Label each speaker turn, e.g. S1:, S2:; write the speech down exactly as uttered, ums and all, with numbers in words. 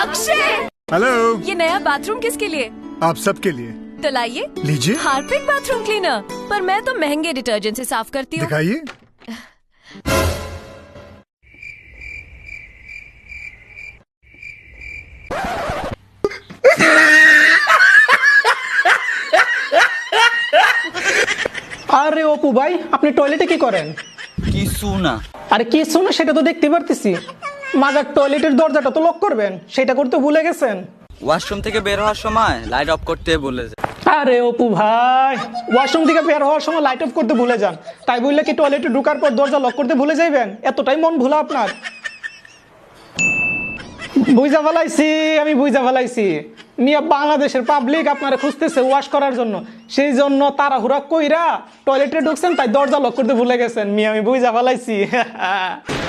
S1: Akshay,
S2: hello.
S1: ये नया bathroom किसके लिए?
S2: आप सबके लिए।
S1: तो लाइए,
S2: लीजिए।
S1: Harpic bathroom cleaner. पर मैं तो महंगे डिटर्जेंट से साफ करती हूँ।
S2: दिखाइए।
S3: আরে অপু ভাই, আপনি টয়লেটে কি করেন?
S4: কিছু না।
S3: আরে কিছু না, সেটা তো দেখতে পারতেছি। মাজার টয়লেটের দরজাটা তো লক করবেন, সেটা করতে ভুলে গেছেন।
S4: ওয়াশরুম থেকে বের হওয়ার সময় লাইট অফ করতে বলেছে।
S3: আরে অপু ভাই, ওয়াশরুম থেকে বের হওয়ার সময় লাইট অফ করতে ভুলে যান, তাই বললে কি টয়লেটে ঢোকার পর দরজা লক করতে ভুলে যাইবেন? এতটাই মন ভোলা আপনার? বুঝা ফেলাইছি, আমি বুঝা ফেলাইছি। মিয়া বাংলাদেশের পাবলিক আপনারা খুঁজতেছে ওয়াশ করার জন্য, সেই জন্য তাড়াহুড়া কইরা টয়লেটে ঢুকছেন, তাই দরজা লক করতে ভুলে গেছেন। মিয়া আমি বুঝা ফেলাইছি।